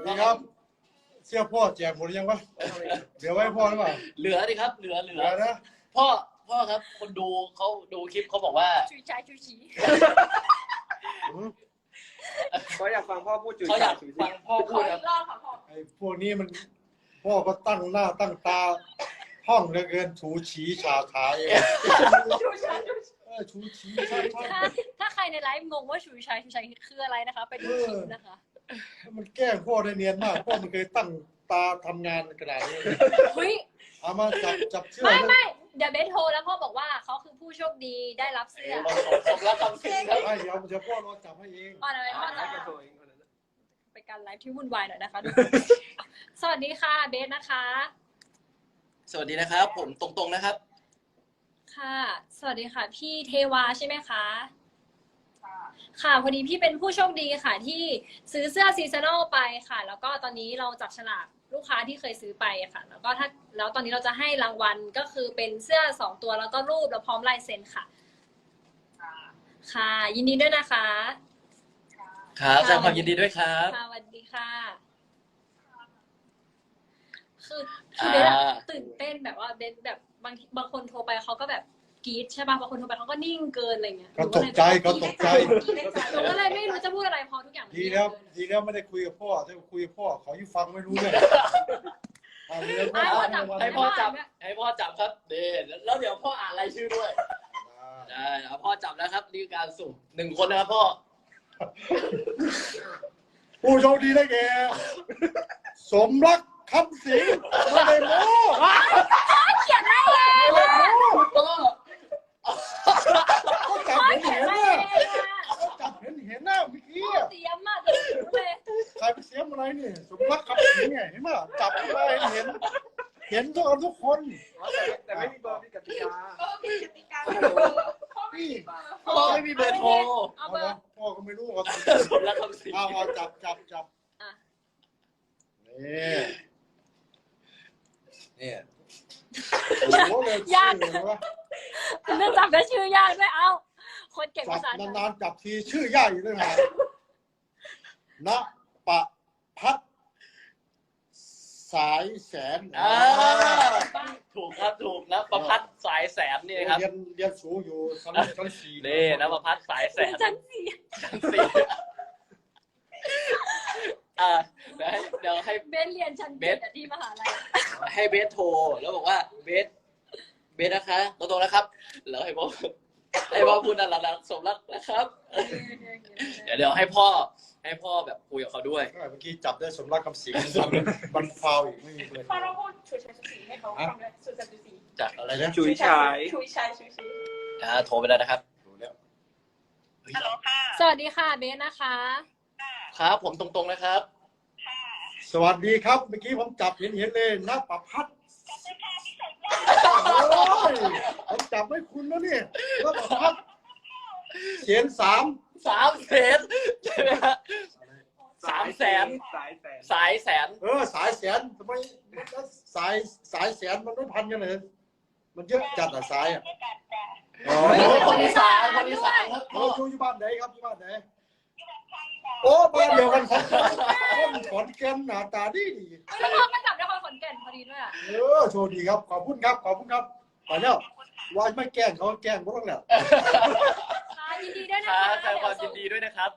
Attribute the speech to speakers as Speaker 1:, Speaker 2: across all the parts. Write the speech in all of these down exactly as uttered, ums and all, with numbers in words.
Speaker 1: นี่ครับเสื้อพ่อแจกหมดหรือยังวะเดี๋ยวไว้พ่อหรือเปล่า
Speaker 2: เหลือดิครับเหลือเหลื
Speaker 1: เหลื
Speaker 2: อ
Speaker 1: อนะ
Speaker 2: พ่อพ่อครับคนดูเขาดูคลิปเขาบอกว่า
Speaker 3: ชุยชายชุยชี
Speaker 4: เขาอยากฟังพ่อพูดจุย
Speaker 2: เขาอยาก
Speaker 4: จุย
Speaker 2: ฟังพ่อ
Speaker 3: ข
Speaker 2: พู
Speaker 3: อ
Speaker 2: ดค
Speaker 3: อี
Speaker 2: รับ
Speaker 3: กรอบค่ะพ่อ
Speaker 1: ไอ้พวกนี้มันพ่อก็ตั้งหน้าตั้งตาห้องเหลือเกินถูฉีฉาขายเอง
Speaker 3: ชุยชายชุยชี
Speaker 1: เออถูฉีใช่ใช่
Speaker 3: ถ้าถ้าใครในไลฟ์งงว่าชุยชายชุยชายคืออะไรนะคะไปดูคลิปนะคะ
Speaker 1: มันแกล้งพ่อได้เนียนมากพ่อมันเคยตั้งตาทำงานขนาดนี้
Speaker 3: เฮ้ย
Speaker 1: เอามาจับจับเชือก
Speaker 3: ไม่ไม่เดี๋ยวเบสโทรแล้วพ่อบอกว่าเขาคือผู้โชคดีได้รับเสื้อ
Speaker 2: สมรักคำสิงครับ
Speaker 1: ไม่เดี๋ยวเดี๋ยวพ่อรอจับให้เอง
Speaker 3: พ่ออะไรพ่อ
Speaker 4: ให้
Speaker 3: จะ
Speaker 4: แกโทรเองคนนั้น
Speaker 3: เป็นการไลฟ์ที่วุ่นวายหน่อยนะคะทุกคน สวัสดีค่ะเบสนะคะ
Speaker 2: สวัสดีนะครับ ผมตรงๆนะครับ
Speaker 3: ค่ะ สวัสดีค่ะ พี่เทวาใช่ไหมคะ ค่ะพอดีพี่เป็นผู้โชคดีค่ะ ที่ซื้อเสื้อซีซันอลไปค่ะ แล้วก็ตอนนี้เราจับฉลากลูกค้าที่เคยซื้อไปค่ะ แล้วก็ถ้าแล้วตอนนี้เราจะให้รางวัลก็คือเป็นเสื้อสองตัวแล้วก็รูปแล้วพร้อมลายเซ็นค่ะ ค่ะ ยินดีด้วยนะคะ
Speaker 2: ครับแสดงความยินดีด้วยครับ
Speaker 3: ค่ะสวัสดีค่ะ คือคือเบสอะ
Speaker 2: อ่า
Speaker 3: ตื่นเต้นแบบว่าเบสแบบบางทีบางคนโทรไปเขาก็แบบกรี๊ดใช่ป่ะบางคนโทรไปเขาก็นิ่งเกินอะไรเงี้ย
Speaker 1: ก็ตกใจก็ตกใจ
Speaker 3: หนูก็เลยไม่รู้จะพูดอะไรเพอทุกอย่างมัน
Speaker 1: ดี
Speaker 3: เงียบ
Speaker 1: แล้ว
Speaker 3: เกิน
Speaker 1: ดีแล้วไม่ได้คุยกับพ่อถ้าคุยกับพ่อเขาอยู่ฟังไม่รู้เลยเอาเรื่อง
Speaker 3: ให้พ่อจับ
Speaker 2: ให้พ่อจับให้พ่อจับครับเดแล้วเดี๋ยวพ่ออ่านรายชื่อด้วยได้เอาพ่อจับแล้วครับนี่คือการสุ่มหนึ่งคนนะครับพ่อ
Speaker 1: ผู้โชคดีได้แก่สมรักคำสิงไม่ได้โม้
Speaker 3: เขียนไม่เอง
Speaker 1: ไม่ได้โม้
Speaker 2: ก็
Speaker 1: ก็จับ
Speaker 3: พ่อ
Speaker 1: เห็น
Speaker 3: เขีย
Speaker 1: เห็
Speaker 3: น
Speaker 1: น
Speaker 3: ไม่
Speaker 1: น่ะ
Speaker 3: เองอะ
Speaker 1: ก็จับเห็นเห็นหน้าเมื่อกี้
Speaker 3: พ่อเตรียมมากเลยเลย
Speaker 1: ใครไปเสียมอะไรนี่สมรักคำสิงไงเห็นไหมจับขึ้นมาเห็นเห็นทุกคนทุกคน
Speaker 4: แต่ไม่มีเบอร์มีกติกา
Speaker 1: นี่
Speaker 2: พ่อไม่มีเบอร์โทร
Speaker 3: เอา
Speaker 1: เอา
Speaker 3: เบอ
Speaker 1: ละ
Speaker 3: ร์
Speaker 1: พ่อก็ไม่รู้ว่า
Speaker 2: สมรักคำสิง
Speaker 1: เอาเอาจับจับจับ
Speaker 3: อ่ะ
Speaker 1: นี่นี่โอ้โหเลยยากเลยวะ
Speaker 3: เรื่องจับก็ชื่อยากด้วยเอ้าคนเก่ง
Speaker 1: จั
Speaker 3: ภา
Speaker 1: บ
Speaker 3: ษาไทย
Speaker 1: นานๆจับทีชื่อยากอยู่ด้วยนะณปะพัดสายแสน
Speaker 2: อ่าถูกครับถูกนะประพัดสายแสนนี่ครับ
Speaker 1: เรียนเรียนสูงอยู่ชั้นชั้นสี่
Speaker 2: นี่นะประพัดสายแสน
Speaker 3: จันสี
Speaker 2: สี่อ่าเดี๋ยวให้เดี๋ยวให้
Speaker 3: เบสเรียนชั้นเจ็ดอะที่มหาลัย
Speaker 2: ให้เบสโทรแล้วบอกว่าเบสเบสนะคะตรงๆนะครับ แล้วให้พ่อให้พ่อพูดนั่นแหละสมรักนะครับ เดี๋ยวเดี๋ยวให้พ่อให้พ่อแบบคุยกับเขาด้วย
Speaker 1: เมื่อกี้จับได้สมรักคำสิงมันมันฟาวอีกไม่มีเลย
Speaker 5: พอเราพูดชุยชายชุยชีให้เขาฟังเลยชุยชายชุยชี
Speaker 2: จากอะไร
Speaker 1: อะไร
Speaker 2: นะ
Speaker 1: นะ
Speaker 4: จุยชาย
Speaker 5: ชุยชายชุยชี
Speaker 2: อ่าโทรไปแล้วนะครับ
Speaker 1: ดูแล้ว
Speaker 5: ฮัลโหลค่ะ
Speaker 3: สวัสดีค่ะเบสนะคะ
Speaker 2: ครับ ผมตรงๆนะครับ
Speaker 1: สวัสดีครับเมื่อกี้ผมจับเห็นเห็นเลยณปะพัดโอ้ยผมจับให้คุณแล้วนี่ณปะพัดเสียนสาม
Speaker 2: สามแสนใช่ไหมฮะสามแสน
Speaker 4: สายแสน
Speaker 2: สายแสน
Speaker 1: เออสายแสนทำไมสายสายแสนมันไม่พันกันเลยมันเยอะจัดอะสายอะอ๋อ
Speaker 2: คนอีสานคนอีสานครับ
Speaker 1: เราอยู่อยู่บ้านไหนครับอยู่บ้านไหนโอ้บ้านเดียวกันครับคนขอนแก่นหน้าตาดีดี
Speaker 3: แล้วพ่อก็จับนครขอนแก่นพอดีด้วยอ่ะ
Speaker 1: เออโชคดีครับขอบคุณครับขอบคุณครับไปแล้วว่าไม่แกล้งเขาแกล้งพวกเราแล้ว
Speaker 3: ค่ะยินดีด้วยนะ
Speaker 2: ครั
Speaker 3: คะ
Speaker 2: บแสดงความยินดีด้วยนะครับ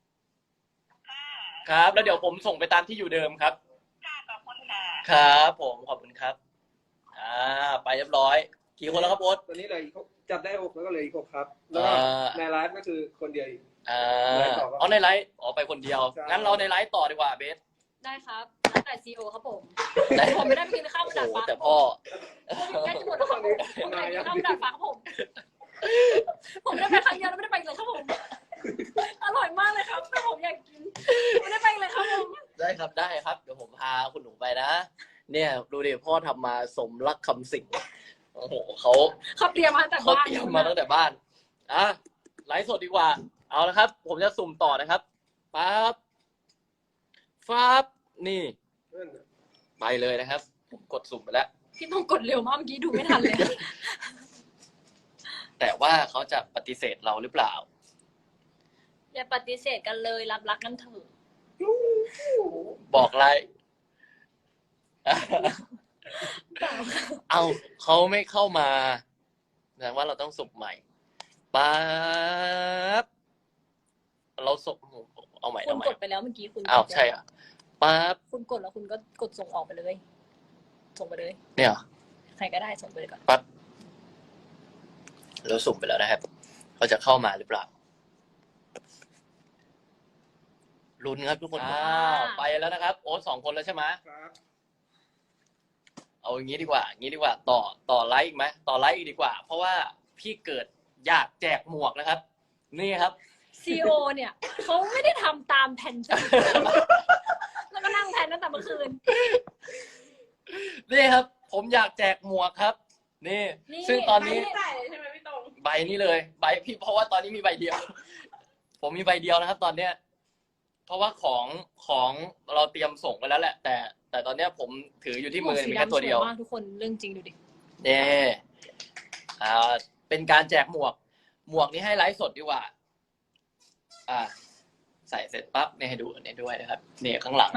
Speaker 2: ครับ แล้วเดี๋ยวผมส่งไปตามที่อยู่เดิมครับ ครับผมขอบคุณครับ อ่า ไปเรียบร้อย กี่คนแล้วครับโอ๊ต
Speaker 4: ตอนนี้เลยจับได้หกแล้วก็เลยอีกหกครับ แล้วก็
Speaker 2: อ่า
Speaker 4: ในไลฟ์ก็คือคนเดียวอีก
Speaker 2: อ่า
Speaker 4: ไลฟ์ต่อปะ
Speaker 2: เอาในไลฟ์อ๋อไปคนเดียว
Speaker 4: ใช่
Speaker 2: งั้นเราในไลฟ์ต่อดีกว่าเบส
Speaker 3: ได้ครับแล้วแต่ซีโอครับผมผมไม่ได้ไปกินข้าวบนดาดฟ้า
Speaker 2: แต่พ่อ
Speaker 3: แค่จะหมดแล้วครับผมผมไม่ได้กินข้าวบนดาดฟ้าครับผมผมได้ไปครั้งเดียวแล้วไม่ได้ไปเลยครับผมอร่อยมากเลยครับแต่ผมอยากกินไม่ได้ไปเลยครับผม
Speaker 2: ได้ครับได้ครับ เดี๋ยวผมพาคุณหนูไปนะ เนี่ยดูดิพ่อทำมาสมรักคำสิงโอ้โหเขา
Speaker 3: เขาเตรียมมาตั้งแต่
Speaker 2: เขา
Speaker 3: บ้าน
Speaker 2: เตรียมมาตั้งแต่บ้าน อ่ะไลฟ์สดดีกว่า เอาละครับ ผมจะสุ่มต่อนะครับปั๊บฟ้าบนี่
Speaker 4: นั่นน่ะ
Speaker 2: ไปเลยนะครับผมกดสุ่มไปแล้ว
Speaker 3: พี่ต้องกดเร็วมากเมื่อกี้ดูไม่ทันเลย
Speaker 2: แต่ว่าเขาจะปฏิเสธเราหรือเปล่า
Speaker 3: อย่าปฏิเสธกันเลยรับรักกันเถอะ
Speaker 2: บอกไลค์
Speaker 3: เปล่าค่ะ
Speaker 2: เอาเขาไม่เข้ามาแสดงว่าเราต้องสุ่มใหม่ปั๊บเราส่งเอาใหม่
Speaker 3: คุ
Speaker 2: เอา
Speaker 3: ณ
Speaker 2: ใหม่
Speaker 3: กดไปแล้วเมื่อกี้คุณ
Speaker 2: อ้าวใช่อ่ะปั๊บ
Speaker 3: คุณกดแล้วคุณก็กดส่งออกไปเลย ส่งไปเลย
Speaker 2: เนี่ยเหรอ
Speaker 3: ใครก็ได้ส่งไปเลยก่อน
Speaker 2: ปั๊บเราสุ่มไปแล้วนะครับเขาจะเข้ามาหรือเปล่าลุ้นครับทุกคนอ้าวไปแล้วนะครับโอ๊ตสองคนแล้วใช่ไหม
Speaker 4: ครับ
Speaker 2: เอาอย่างนี้ดีกว่าอย่างนี้ดีกว่า ต่อต่อไลค์อีกไหมต่อไลค์อีกดีกว่า เพราะว่าพี่เกิดอยากแจกหมวกนะครับ นี่ครับ
Speaker 3: ซีโอเนี่ยเขาไม่ได้ทำตามแผนจริงแล้วก็นั่งแผนตั้งแต่เมื่อคืน
Speaker 2: นี่ครับ ผมอยากแจกหมวกครับ นี่
Speaker 3: นี่
Speaker 2: ซึ่งตอนนี้
Speaker 5: ไม่ได้เลยใช่ไหมพี่ตรง
Speaker 2: ใบนี้เลยใบพี่เพราะว่าตอนนี้มีใบเดียว ผมมีใบเดียวนะครับ ตอนเนี้ย เพราะว่าของของเราเตรียมส่งไปแล้วแหละ แต่ แต่ตอนเนี้ยผมถืออยู่ที่มือมีแค่ตัวเดียว
Speaker 3: มากทุกคนเรื่องจริงดูดิ
Speaker 2: เนี่ยอ่าเป็นการแจกหมวก หมวกนี้ให้ไลฟ์สดดีกว่า อ่า ใส่เสร็จปั๊บเนี่ยให้ดูเนี่ยด้วยนะครับเนี่ยข้างหลัง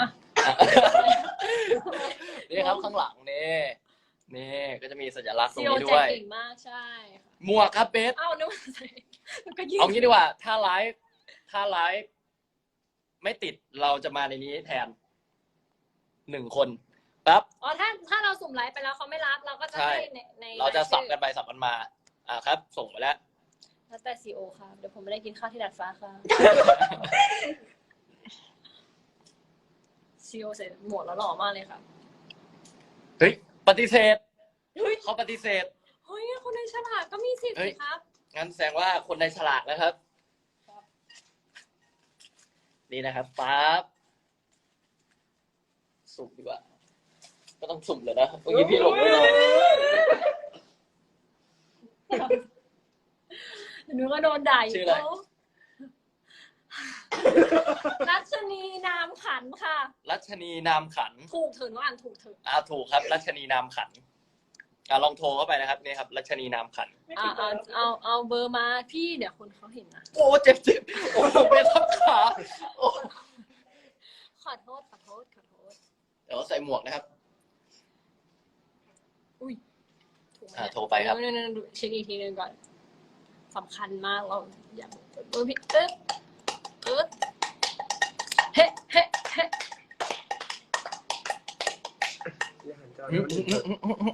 Speaker 2: นี่ครับข้างหลังนี่นี่ก็จะมีสัญลักษณ์ตร
Speaker 3: ซี
Speaker 2: ง
Speaker 3: โอ
Speaker 2: นี้
Speaker 3: แจ
Speaker 2: ด้
Speaker 3: ก
Speaker 2: วย
Speaker 3: เก่งมากใช่ค่ะ
Speaker 2: หมวกครับเบส
Speaker 3: เอ้านึกว่าใส่แล้วก็ยืน
Speaker 2: เอางี้ดีกว่า ถ้าไลฟ์ถ้าไลฟ์ไม่ติดเราจะมาในนี้แทนหนึ่งคนปั๊บ
Speaker 3: อ๋อถ้าถ้าเราสุ่มไลฟ์ไปแล้วเขาไม่รับเราก็จะ
Speaker 2: ใช่
Speaker 3: ให้ในใน
Speaker 2: เราจะสับ
Speaker 3: ชื่อ
Speaker 2: กันไปสับกันมา อ่าครับ ส่งไปแล้ว
Speaker 3: แล้วแต่ซีโอค่ะเดี๋ยวผมไม่ได้กินข้าวที่ดาดฟ้าค่ะซีโอใส่หมวกแล้วหล่อมากเลยค่ะ
Speaker 2: เฮ้ยปฏิเสธ
Speaker 3: เฮ้ย
Speaker 2: เขาปฏิเสธ
Speaker 3: เฮ้ยคนในฉลากก็มีสิทธิ์
Speaker 2: เฮ้
Speaker 3: สิ
Speaker 2: ย
Speaker 3: ครับ
Speaker 2: งั้นแสดงว่าคนในฉลากนะครับ นี่นะครับปั๊บสุ่มดีกว่า ก็ต้องสุ่มเลยนะเมื่อกี้พี่หลงไม่ได้
Speaker 3: หนูก็โดนด่าอยู่
Speaker 2: ชื่ออะไร
Speaker 3: เขารัชนีนามขันค่ะ
Speaker 2: รัชนีนามขัน
Speaker 3: ถูกเถอะหนูอ่านถูกเถอะ
Speaker 2: อ่าถูกครับ รัชนีนามขันอ่าลองโทรเข้าไปนะครับนี่ครับ รัชนีนามขัน
Speaker 5: ไม่
Speaker 3: อ่า
Speaker 5: ติดเล
Speaker 3: เอา
Speaker 5: ย
Speaker 3: เอาเอาเบอร์มาพี่เดี๋ยวคนเขาเห็นนะ
Speaker 2: โอ้เจ็บเจ็บโอ้เป็นทับขาโอ้
Speaker 3: ขอโทษขอโทษขอโทษ
Speaker 2: เดี๋ยวใส่หมวกนะครับ
Speaker 3: อุ้ยถูกไหม
Speaker 2: อ่าโทรไปครับ
Speaker 3: เดี๋ยวๆๆเช็คอีกทีนึงก่อนสำคัญมากเราอยากเบอร์พี่เอ๊ะเอ๊ะเฮ้เฮ้เฮ้
Speaker 4: อย่าหันจอแล้วนี่เถอะ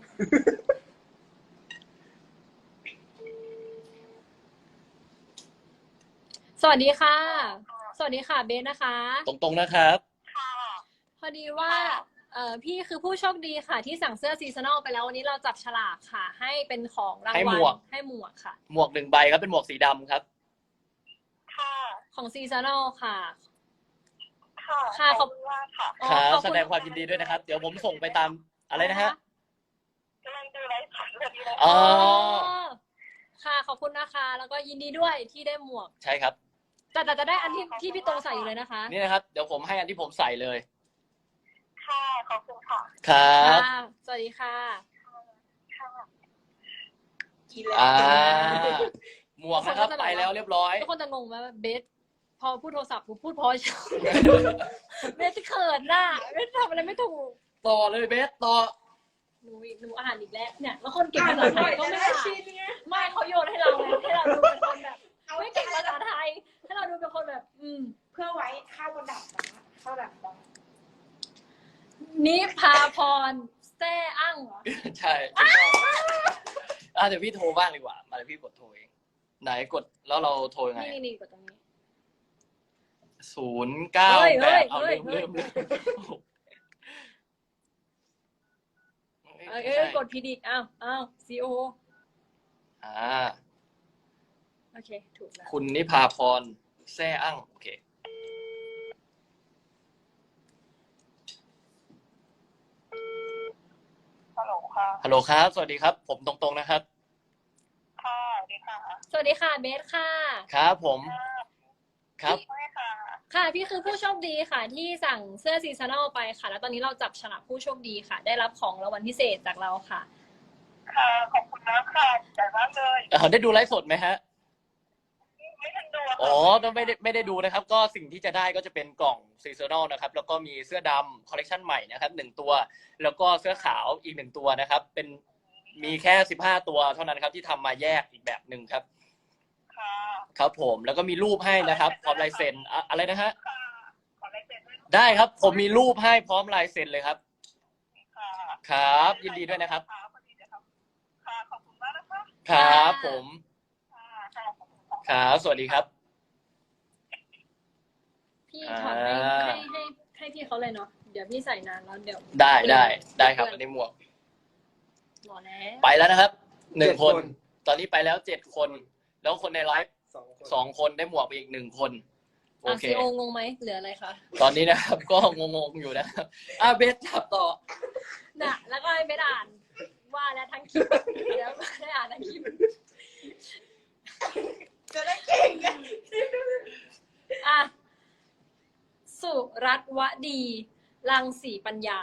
Speaker 3: สวัสดีค่ะ สวัสดีค่ะเบสนะคะ
Speaker 2: ตรงๆนะครับ
Speaker 3: พอดีว่าเอ่อพี่คือผู้โชคดีค่ะ ที่สั่งเสื้อซีซันอลไปแล้ววันนี้เราจับฉลากค่ะ ให้เป็นของราง
Speaker 2: ให้
Speaker 3: วั
Speaker 2: ห
Speaker 3: ล
Speaker 2: มวก
Speaker 3: ให้หมวกค่ะ
Speaker 2: หมวกหนึ่งใบครับเป็นหมวกสีดำครับ
Speaker 5: ค่ะ
Speaker 3: ของซีซันอลค่ะ
Speaker 5: ค่ะ
Speaker 3: ค่ะขอบ
Speaker 5: คุณมากค่ะ
Speaker 3: อ๋อ
Speaker 2: ครับ
Speaker 3: ขอบ
Speaker 2: แส
Speaker 3: คุณ
Speaker 2: ดงความยินดีด้วยนะครับ เดี๋ยวผมส่งไปตามอะไรนะฮะ
Speaker 5: กำลังดูไลฟ์สดพอดีเลย
Speaker 2: อ๋อ
Speaker 3: ค่ะขอบคุณนะคะ แล้วก็ยินดีด้วยที่ได้หมวก
Speaker 2: ใช่ครับ
Speaker 3: แต่แต่จะได้อันที่ที่พี่ตรงใส่อยู่เลยนะคะ
Speaker 2: นี่นะครับ เดี๋ยวผมให้อันที่ผมใส่เลย
Speaker 5: ค่ะ ขอบคุณค่ะ
Speaker 2: ครับ
Speaker 3: ค่ะสวัสดีค่ะ
Speaker 5: ค่ะกินแล้ว
Speaker 2: อ่า หมวกนะครับไปแล้วเรียบร้อย
Speaker 3: ทุกคนจะงงไหมว่าเบสพอพูดโทรศัพท์ผมพูดพอเฉยเบสเขินน่ะเบสทำอะไรไม่ถูก
Speaker 2: ต่อเลยเบสต่อ
Speaker 3: หนูหนูอ่านอีกแล้วเนี่ยแล้วคนเก่งภาษาไทยก็ไม่อ่านไม่เขาโยนให้เราไงให้เราดูเป็นคนแบบไม่เก่งภาษาไทยให้เราดูเป็นคนแบบ อืม
Speaker 5: เพื่อไว้ข้าวบนดับฟ้าข้าวดับฟ้า
Speaker 3: นิพาพรแซ่อั้งเหรอ
Speaker 2: ใช่ถูกต้องอ่ะเดี๋ยวพี่โทรบ้างดีกว่า มาเดี๋ยวพี่กดโทรเอง ไหนกดแล้วเราโทรยังไง
Speaker 3: นี่นี่นี่กดตรงนี้
Speaker 2: ศูนย์เก้า
Speaker 3: เฮ้ย
Speaker 2: แป
Speaker 3: เฮ้ย
Speaker 2: ดเอา
Speaker 3: เฮ้
Speaker 2: ลื
Speaker 3: ย
Speaker 2: ม
Speaker 3: เฮ้
Speaker 2: ลื
Speaker 3: ย
Speaker 2: มลืม
Speaker 3: เอ้ยเอ้ยกดผิดอีกอ้าวอ้าวซีโอ
Speaker 2: อ่า
Speaker 3: โอเคถูกแล้ว
Speaker 2: คุณนิพาพรแซ่อั้งโอเค
Speaker 5: ฮัลโหลค่ะ
Speaker 2: ฮัลโหลครับ สวัสดีครับ ผมตรงๆนะครับ
Speaker 5: ค่ะสวัสดีค่ะ
Speaker 3: สวัสดีค่ะเบสค่ะ
Speaker 2: ครับผม ครับ
Speaker 5: ใช่ค่ะ
Speaker 3: ค่ะพี่คือผู้โชคดีค่ะ ที่สั่งเสื้อซีซันอลไปค่ะ แล้วตอนนี้เราจับฉลากผู้โชคดีค่ะ ได้รับของรางวัลพิเศษจากเราค่ะ
Speaker 5: ค่ะ ขอบคุณนะค่ะใจมากเลย
Speaker 2: เอ่อได้ดูไลฟ์สดไหมฮะ
Speaker 5: ไไม่ทันดู
Speaker 2: อ๋อต้องไม่ได้ไม่ได้ดูนะครับ ก็สิ่งที่จะได้ก็จะเป็นกล่องซีซันอลนะครับ แล้วก็มีเสื้อดำคอลเลคชันใหม่นะครับหนึ่งตัว แล้วก็เสื้อขาวอีกหนึ่งตัวนะครับ เป็นมีแค่สิบห้าตัวเท่านั้นครับที่ทำมาแยกอีกแบบหนึ่งครับ
Speaker 5: ค่ะ
Speaker 2: ครับผมแล้วก็มีรูปให้นะครับพร้อมลายเซ็นอะอะไรนะฮะ
Speaker 5: ค่ะขอลายเซ็นด้วย
Speaker 2: ได้ครับผมมีรูปให้พร้อมลายเซ็นเลยครับ
Speaker 5: ค่ะ
Speaker 2: ครับ ยินดีด้วยนะครับ
Speaker 5: ค่ะพอดีเดี๋ยวครับค่ะขอบคุณมากนะคะ
Speaker 2: ครับผม
Speaker 5: ค่ะค่ะขอบคุณค่ะ
Speaker 2: ครับสวัสดีครับ
Speaker 3: พี่ถอดให้
Speaker 2: อ่า
Speaker 3: ให้ให้ให้พี่เขาเลยเนาะเดี๋ยวพี่ใส่นานแล้วเดี๋ยว
Speaker 2: ได้ได้ได้ครับอันนี้หมวก
Speaker 3: หมอแล้ว
Speaker 2: ไปแล้วนะครับหนึ่ง
Speaker 4: เจ็ด
Speaker 2: คน
Speaker 4: คน
Speaker 2: ตอนนี้ไปแล้วเจ็ดคน แล้วคนในไลฟ์
Speaker 4: สองคน
Speaker 2: สองคนได้หมวกไปอีกหนึ่งคน โอ
Speaker 3: อ่ะ
Speaker 2: เค
Speaker 3: ซีโองงไหมเหลืออะไรคะ
Speaker 2: ตอนนี้นะครับ ก็งงๆอยู่นะครับอ่ะเบสจับต่อ
Speaker 3: น่ะแล้วก็ให้ไปอ่านว่าแล้วทั้งคลิปเดี๋ยวได้อ่านทั้งคลิป
Speaker 5: จะได้เก่งไง
Speaker 3: อ่ะสุรัตน์วดีรังสีปัญญา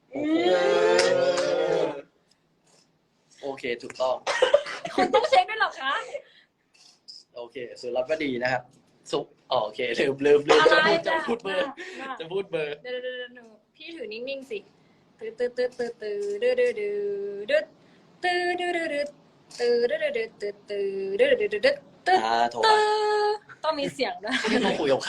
Speaker 2: โอเคถูกต้อง
Speaker 3: คุณต้องเช็คด้วยเหรอคะ
Speaker 2: โอเคสุรับก็ดีนะครับ สุอ๋อโอเคลืมลืมลืม
Speaker 3: อะไร
Speaker 2: จะพูดจะพูดเบอร์
Speaker 3: น่ะ
Speaker 2: จะพูดเบอร์
Speaker 3: เดี๋ยวเดี๋ยวเดี๋ยวเดี๋ยวพี่ถือนิ่งๆสิตื้อตื้อตื้อตื้อตื้อดื้อดื้อดื้อดื้อตื้อดื้อดื้อดื้อตื้อดื้อดื้อดื้อตื้อตื้อดื้อดื้อดื้อดื้อตื้อ
Speaker 2: อ่าโทร
Speaker 3: ตื้อต้องมีเสียงด้วย
Speaker 2: ไม่ต้องคุยกับใคร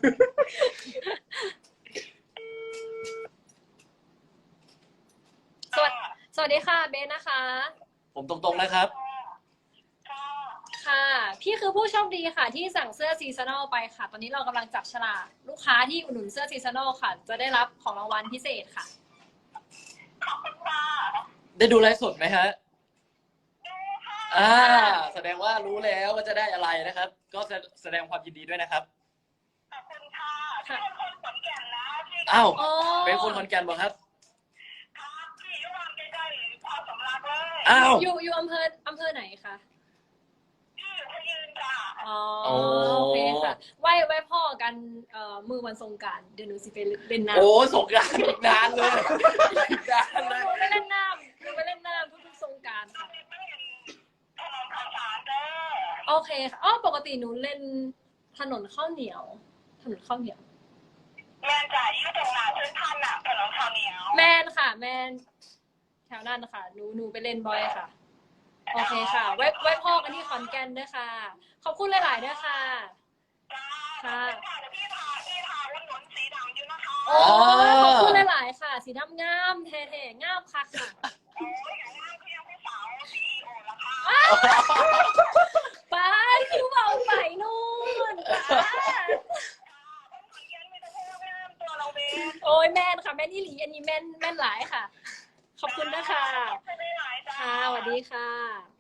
Speaker 3: สวัสดีสวัสดีค่ะเบนนะคะ
Speaker 2: ผมตรงๆนะครับ
Speaker 5: ค่ะ
Speaker 3: ค่ะ พี่คือผู้โชคดีค่ะ ที่สั่งเสื้อซีซันอลไปค่ะ ตอนนี้เรากำลังจับฉลากลูกค้าที่อุดหนุนเสื้อซีซันอลค่ะ จะได้รับของรางวัลพิเศษค่ะ
Speaker 5: ขอบคุณค่ะ
Speaker 2: ได้ดูไลฟ์สดไหมฮะ
Speaker 5: ดูค่ะ
Speaker 2: อ่า แสดงว่ารู้แล้วว่าจะได้อะไรนะครับ ก็แสดงความยินดีด้วยนะครับ
Speaker 5: ขอบคุณค่ะที่เป็นคนขอนแก่นนะที่
Speaker 2: อ้าว
Speaker 3: อ๋อ
Speaker 2: เป็นคนขอนแก่นบ่ครับ
Speaker 5: ครับที่อยุวานใกล้ๆความสำลักเลย
Speaker 2: อ้าว
Speaker 3: อยู่อยู่อำเภออำเภอไหนคะ
Speaker 5: ที่อยู่พะยืนค่ะ
Speaker 3: อ๋อ
Speaker 2: โอ้
Speaker 3: โอเคค่ะไหว้ไหว้พ่อกันเอ่อมือวันสงกรานต์เดี๋ยวหนูสิไปเล่นน้ำ
Speaker 2: โอ้สงกรานต์อีกนานเลยอีกนาน
Speaker 3: ห
Speaker 2: เลย
Speaker 3: นูไปเล่นน้ำหนูไปเล่นน้ำทุกๆสงกรานต์ค่ะ
Speaker 5: ไม่เห็นถนนข่าวสารเด้อ
Speaker 3: โอเคค่ะอ๋อปกติหนูเล่นถนนข้าวเหนียว ถนนข้าวเหนียว
Speaker 5: แม่จ่ายยืดตรงหนาเส้นทันน่ะถนนข้าวเหนียว
Speaker 3: แมนค่ะ แมนแถวนั้นค่ะหนูหนูไปเล่นบ่อยค่ะ โอเคค่ะ ไว้ไว้พ่อกันที่ขอนแก่นด้วยค่ะ ขอบคุณหลายๆด้วยค่ะ
Speaker 5: จ้า
Speaker 3: ค่ะ
Speaker 5: ค่ะเดี๋ยวพี่พาพี่พาวันหนุนสีดำอยู่นะคะ
Speaker 3: โอ้ยขอบคุณหลายๆค่ะ สีดำงามเท่ๆงามค่ะค่ะ
Speaker 5: โอ้ยอย่างนั้นคือยังพี่สาวซีอีโอละค่ะ
Speaker 3: ไปคิวเบาไปนู่นป้า
Speaker 5: คนเย็นไม่ต้องพูดงามตัวเราเอง
Speaker 3: โอ้ยแม่นค่ะแม่นอีหลีอันนี้แม่นแม่นหลายค่ะ ขอบคุณนะคะ
Speaker 5: ไม่ได้หลายจ้า
Speaker 3: ค่ะสวัสดีค่ะ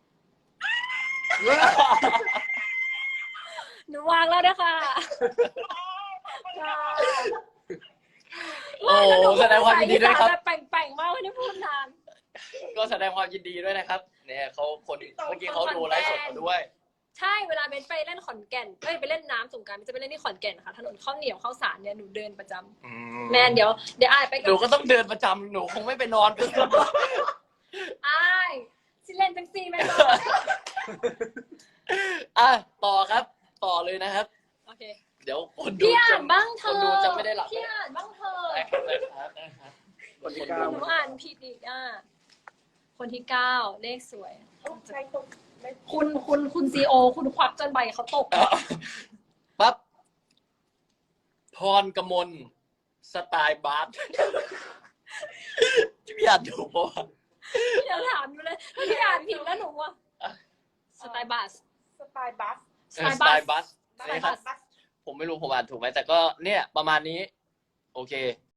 Speaker 3: หนูวางแล้วนะคะค่ะ
Speaker 2: โอ้แสดงความยินดีด้วยครับ
Speaker 3: แบบแป่งๆมากไม่ได้พูดนาน
Speaker 2: ก็แสดงความยินดีด้วยนะครับ เนี่ยเขาคนเมื่อกี้เขาดูไลฟ์สดมาด้วย
Speaker 3: ใช่เวลาเบนไปเล่นขอนแก่นเอ้ยไปเล่นน้ำสงกรานต์เบนจะไปเล่นที่ขอนแก่นค่ะถนนข้าวเหนียวข้าวสารเนี่ยหนูเดินประจำแมนเดี๋ยวเดี๋ยวอายไปกั
Speaker 2: หนูก็ต้องเดินประจำหนูคงไม่ไปนอน
Speaker 3: อายสิเล่นจังซีแม่นบ่
Speaker 2: อ่ะต่อครับ ต่อเลยนะครับ
Speaker 3: โอเค
Speaker 2: เดี๋ยวคนดู
Speaker 3: พี่อ่า
Speaker 2: จะ
Speaker 3: นบ้างเธ
Speaker 2: ค
Speaker 3: อน
Speaker 2: ดูจะไม่ได้หลับ
Speaker 3: พี่อ่านบ้างเธอ
Speaker 2: ได้ครับได้ครับได้ครับ
Speaker 4: คนที่เก้า
Speaker 3: หนูอ่านผิดอีกอ่ะคนที่เก้าเลขสวย
Speaker 5: ใช่คนไม่
Speaker 3: คุณคุณคุณซีโอคุณควักจนใบเขาตก
Speaker 2: ปั๊บพรกมลสไตล์บาส พี่อ่านถูกปะวะ
Speaker 3: พี่ยังถามอยู่เลยถ้าพี่อ่านผิดแล้วหนูอ่ะสไตล์บัส
Speaker 5: สไตล์บัส
Speaker 3: สไตล์
Speaker 2: สไตล์บัส
Speaker 3: สไตล์
Speaker 2: นี่
Speaker 3: บั
Speaker 2: ครับ
Speaker 3: ส
Speaker 2: ผมไม่รู้ผมอ่านถูกไหมแต่ก็เนี่ยประมาณนี้ โอเค